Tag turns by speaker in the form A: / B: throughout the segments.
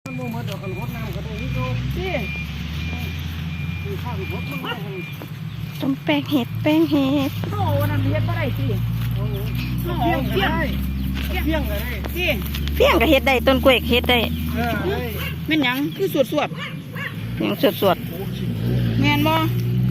A: มันบ่หมดดอกกันหดน้ำก็ได้นี่ดูสิคือข้าวหดมัน
B: ต้มแป้งเห็ด
C: โอ้นั่นเฮ็ดบ่ได้สิ
A: เพี้ยงก็ได้เพี้ยงก็ได้
C: สิ
B: เพี้ยงก็เฮ็ดได้ต้นกล้วยเฮ็ดได้
C: แม่นหยังคือสวด
B: หยังสวด
C: แม่นบ่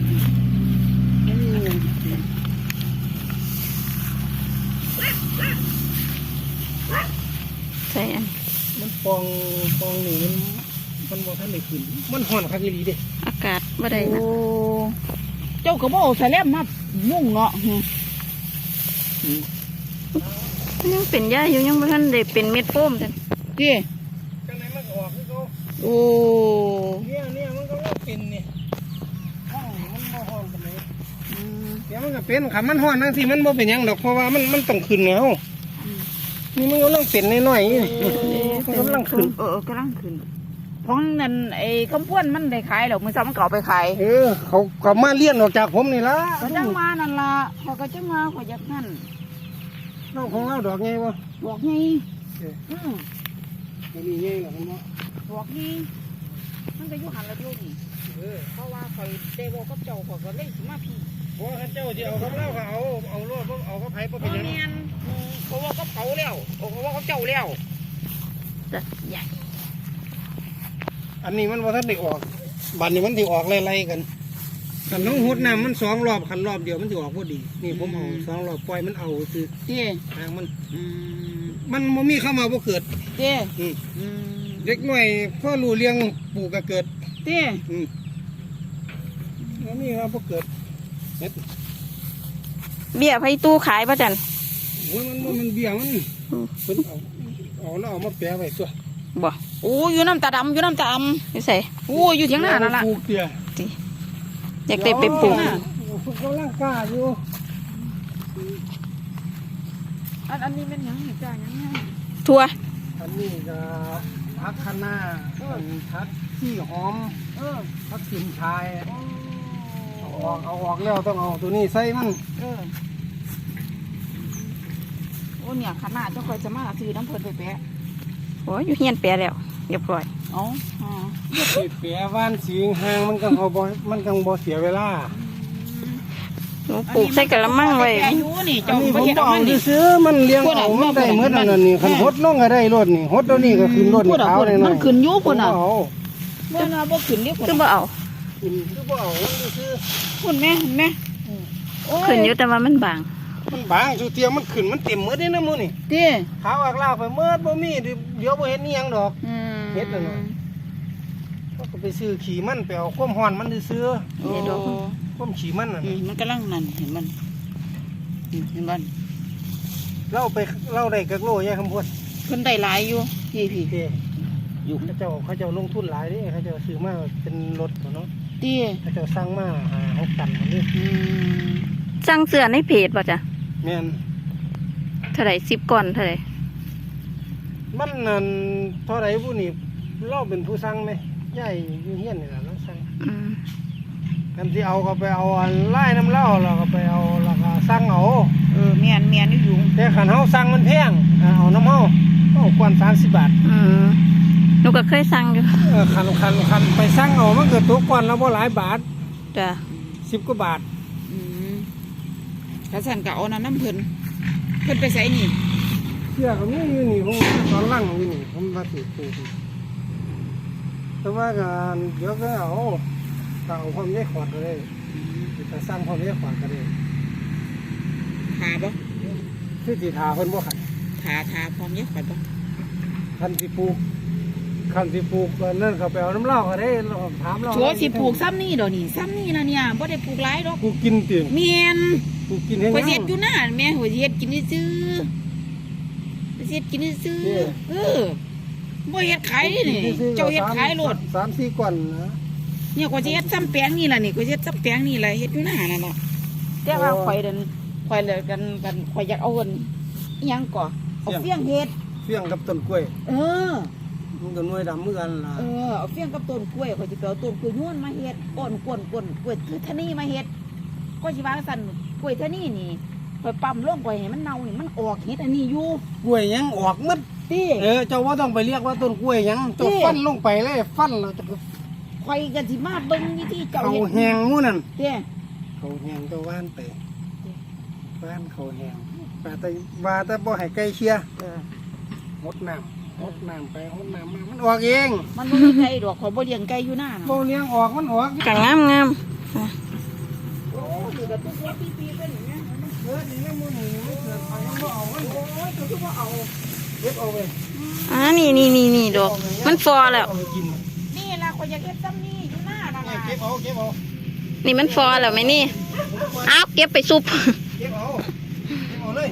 B: ใส่อัน
A: มันปองนี่มันบ่ทันได้ขึ้นมันห่อนคักอีหลีเด้
B: อากาศบ่ได้นะ
C: โอ้เจ้าก็บ่เอาใส่แลมมามุ่งเนาะ
B: ยังเป็นหญ้าอยู่ยังบ่ทันได้เป็นเม็ดโฟมจัง
C: ติ
A: จังไหนมันก็ออกคือเก่า
C: โอ้
A: เนี่ยมันก็ว่าเป็นนี่ห้องมันบ่ฮ้อนปานใดเดี๋ยวมันก็เป็นคันมันฮ้อนจังซี่มันบ่เป็นหยังดอกเพราะว่ามันต้องขึ้นแล้วนี่มันกำลังเป็นน้อยๆนี่มันกำลังขึ้น
C: กำลังขึ้นของนั่นไอ้คำพวนมันได้ขายหรอกมื้อเช้ามันก็เอาไปขาย
A: เขาก็มาเลี้ยนออกจากผมนี่ล่ะ
C: ก็จังมานั่นล่ะเขาก็จังมาเขาอยากนั่น
A: น้องของเราดอกไงวะ
C: บอกไง
A: มันมีไงหรอคุณพ่อ
C: บอกไงมันก็อยู่หันละอยู่นี่เพราะว่าคอยเดวกับเจ้าเขาก็เลยสิมาพี่
A: เพราะเจ้าที่เอากับเราก็เอารถเอากับไผ่
C: เป็นยังเขาว่ากับเขาแล้วเขาว่ากับเจ้าแล้ว
B: จะใหญ่
A: อันนี้มันว่าท่านได้ออกบัดนี้มันที่ออกไล่ๆกันกันน้องหดน้ำมัน2 รอบขันรอบเดียวมันจะออกพอดีนี่ผมเอา2 รอบปล่อยมันเอาคือทางมันมีเข้ามาบ่เกิดเด็กหน่อยพ่อรู้เลี้ยงปลูกก็เกิดแล้วนี่ครับบ่เกิด
B: เบี้ยไผ่ตู้ขายป่ะจัน
A: มันเบี้ยมันเพิ่นเอาแล้วเอามาแปะไว้ตัว
C: บ่โอ้อยู่น้ำตาดำ
B: ไม่ใส่
C: โอ้อยู่เถียงหน้านั่นล่ะ
B: อยากได้ไปปลูก
A: กำลังกล้าอยู่
C: อันนี้เป็นหยังจ้าหยัง
B: ทั่ว
A: อันนี้ก็พักคะน้าพักขี้หอมพักสินชายเอาออกแล้วต้องเอาตัวนี้ใส่มัน
C: โอ้เนี่ยขนาดเจ้าคอยจะมาซื้อน้ำเพิ่นไปแปะ
B: โอ้ยอยู่เฮียนแปะแล้วเรียบร้อย
A: แปะว่านสีห่างมันก็มันกังบ่เสียเวลา
B: หนูปลูกใส่กระมังไว้
A: อันนี้ผมเอาซื้อมันเลี้ยงเอามันได้เมื่อนั้นนี่ขันหดน้องก็ได้รถนี่หดตัวนี้ก็ขึ้นรถนี่ขาวเลย
C: มันขึ้นยุบน่ะเมื่อน่ะบ่ขึ้นนี่
B: คือบ่เอา
A: คือบ่เอาซื้อ
C: คุณแม่
B: ขึ้นอยู่แต่ว่ามันบาง
A: สุเทียมมันขึ้นมันเต็มเมื่อได้นะมื้อนี่ขาวอักลาไปเมื่อบ่มีเดี๋ยวบ่เห็นนี่ยังดอกเฮ็ดแล้วเนาะก็ไปซื้อขี่มันไปเอาความฮ้อนมันซื้อความขี่มันน่ะ
C: มันกำลังนั่นเห็นมัน
A: เราได้กักโลยายคำพูด
C: เพิ่นได้หลายอยู่พี่
A: อยู่เขาเจ้าลงทุนหลายนี่เขาเจ้าซื้อมาเป็นรถเนาะเขาเจ้าสร้างมา6 ตันนี่
B: สั่งเสื้อในเพจป่ะจ๊ะ
A: แม่น
B: เท่าไหร่10 ก่อนเท่าไหร่
A: มันนั่นเท่าไหร่ผู้นี่เราเป็นผู้สั่งไหมย่ายอยู่เฮียนนี่แหละเราสั่งกันที่เอาก็ไปเอาไล่น้ำเล่าเราก็ไปเอาแล้วก็สั่งเอา
C: แม่นอยู่
A: แต่ขันเฮาสั่งมันแพงเอาน้ำเฮาต้องกว่า30 บาท
B: หนูก็เคยสั่งอยู่
A: ขันไปสั่งเอามันเกิดตัวกว่าแล้วบ่หลายบาท
B: จ้ะ
A: 10 กว่าบาท
C: กระสันกะเอาน้ำเพิ่นไปใส่นี่
A: เสื้อก็มีอยู่นี่ผมตอนล่างอยู่นี่ผมมาติดตัวแต่ว่าการเดี๋ยวก็เอาความแยกขวดก็ได้แต่สร้างความแยกขวดก็ได้
C: ทาบ่
A: คือสีทาเพิ่นบ่ขัด
C: ทาความแยกขวดบ่
A: คันสิปลูกนั่นเขาไปเอาน้ำเหล้าก็ได้เราถามเรา
C: ชัวสิปลูกซ้ำนี่ดอกนี่ซ้ำนี่นะเนี่ยบ่ได้ปลูกหลายดอก
A: ปลูกกินตื่น
C: เมียน
A: ปลูกกินให้
C: หัวเสียดอยู่หน้าแม่หัวเสียดกินซื้อเสียดกินซื้อบ่เฮ็ดขายนี่เจ้าเฮ็ดขายโลด
A: 3-4 ก่อนนะ
C: เนี่ยกว่าจะเฮ็ดซ้ำแปลงนี่ล่ะนี่กว่าจะเฮ็ดซ้ำแปลงนี่แหละเฮ็ดอยู่หน้านั่นน่ะแต่ว่าข่อยเลยกันข่อยอยากเอาเงินอีหยังก่อเอาเฟี้ยงเฮ็ด
A: เฟี้ยงกับต้นกล้วยมันก็หน่วยดำเหมือนกันล่ะ
C: เอาเฟี้ยงกับต้นกล้วยข่อยสิไปเอาต้นกล้วยย้วนมาเฮ็ดก้นกล้วยคือทะนี่มาเฮ็ดก็สิว่าซั่นกล้วยทะนี่นี่ข่อยปั๊มลงข่อยให้มันเน่านี่มันออกเฮ็ดอันนี้อยู่
A: กล้วยยังออกหมด
C: ตี
A: เจ้าว่าต้องไปเรียกว่าต้นกล้วยหยังเจ้าฟันลงไปเลยฟันเราจะ
C: ข่อยกันสิมาเบิ่งวิธีเจ้า
A: เขา
C: เฮ็ด
A: แหงงูนั่น
C: เต้
A: เขาแหงเจ้าว่านไปว่านเขาแหงว่าแต่บ่ให้ไก่เชียหดน้ำไปหดน้ำมามันออกเอง
C: มันบ่มีไก่ดอกข่อยบ่เลี้ยงไก่อยู่หน้าน่ะ
A: โบเลี้ยงออกมันออก
B: ก็งาม
C: โอ้นี่ก็ทุกวันปีๆเป็นอย่างเงี้ย
A: นี่แล้วมือนี่ไม่เกิดไปยังบ่เอามัน
C: โอ้ยตัวที่ว่าเอา
A: เก็บเอาไป
B: นี่ดอกมันฟอแล้ว
A: เอาไปกิน
C: นี่ล่ะข่อยอยากเฮ็ดซ้ำนี่อยู่หน้าน่ะ
A: เนี่ยเก็บเอา
B: นี่มันฟอแล้วไหมนี่อ้าวเก็บไปซุป
A: เก็บเอาเลย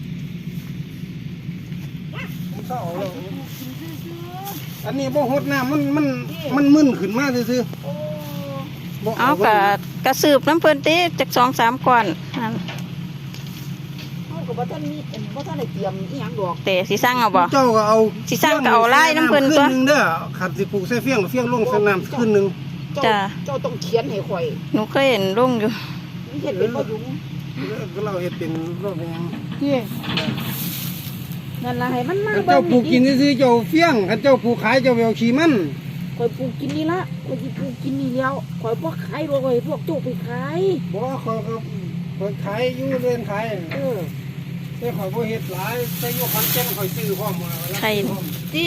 A: ผมเศร้าแล้ว อันนี้บ่หดน้ำมันมึนขึ้นมาซื่อ
C: โอ้
A: ๆบ่
B: เอากระสืบน้ำเพิ่นติจาก2-3ก้อนนั่น
C: เฮาก็บ่ทันมีบ่ทันได้เตรียมอีหยังดอก
B: แต่สิสั่งเอาบ่
A: เจ้าก็เอา
B: สิสร้างก็เอาไล่น้ำเพิ่นตัว
A: ขึ้นึงเด้อขัดสิปลูกใส่เฟี้ยงลงใส่น้ำขึ้นนึง
B: จ้ะ
C: เจ้าต้องเขียนให้ข่อย
B: หนูเคยเห็นลงอยู่
C: มีเฮ็ดเป็นบ่ยุง
A: ก็เราเฮ็ดเป็นรอบยัง
C: ที่นั่นล่ะให้มันมา
A: เจ้าปลูกกินซื่อๆเจ้าเฟี้ยงคันเจ้าปลูกขายเจ้าไปเอาขี้มัน
C: ข่อยปลูกกินนี่ละข่อยสิปลูกกินนี่แล้วข่อยบ่ขายดอกข่อยพวกเจ้าไปขาย
A: บ่เขาขายอยู่เรือนขาย แต่ข่อยบ่เฮ็ดหลายแต่อยู่ขอนแก่นข่อยซื้อพร้อมมาแล้ว
B: ไข่
C: ที่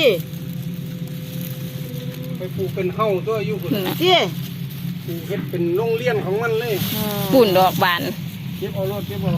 A: ไปปลูกเป็นเฮาตัวอยู่พุ่น
C: ที่
A: ปลูกเฮ็ดเป็นโรงเรียนของมันเลย
B: ปุ่นดอกบาน
A: เก็บเอารถเก็บเอา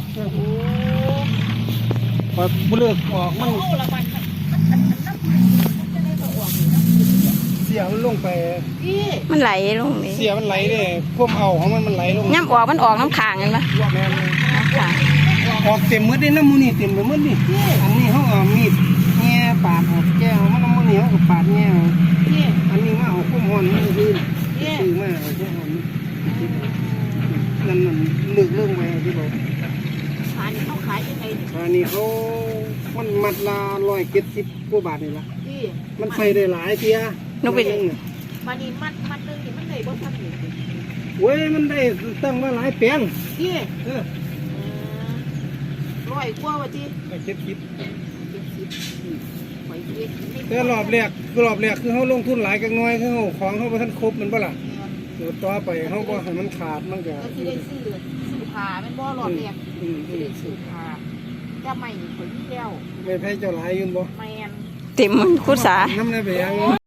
A: ข่อยบ่เลิกออกมัน
C: เอาละมันจะได้บ่ออก
A: เสียมันลงไป
C: ที่
B: มันไหลลงนี่
A: เสียมันไหลเด้พวกเอาของมันไหลลง
B: ย่ำออกมันออกน้ำขางเห็นปะ
A: แม่นเลย
B: น้ำขาง
A: ออกเต็มหมดเลยน้ำมูนี่เต็มไปหมดนี่อันนี้เขาเอามีดแง่ปาดออกแก้วมันน้ำมูนี่เขาก็ปาดแง่เอา
C: ที่
A: อันนี้มาเอาคุ้มหอนนี่คือ
C: ที่
A: ซื้อมาเอาคุ้มหอนนั่นเลือกเรื่องไปที่บอก
C: ขายเขาขายยังไง
A: อันนี้เขามันมัดละ170 กว่าบาทนี่ละ
C: ที่
A: มันใส่ได้หลายเทีย
B: หนูไป
C: มานี่มัดนึงนี่มันได้บ่ทันนี่
A: เว้ยมันได้ตั้งมาหลายแปลง
C: ที่
A: เออ
C: ร้อยกว่าว่าที่
A: 70
C: ไปเฮ็ด
A: แต่รอบแรกคือเขาลงทุนหลายกันน้อยคือเขาของเขาบ่ทันครบมันบ่ล่ะเดี๋ยวต่อไปเขาก็ให้มันขาดมันก็
C: ก็สิได้ซื้อผ้าแม่นบ่หลอดแรกสิได้ซื้อผ้าจะไม่ข่อยมีแล้ว
A: ไม่แพ้เจ้าหลายอยืนบ่
C: แม่น
B: เต็มมันคุดสา
A: น้ำในไปยัง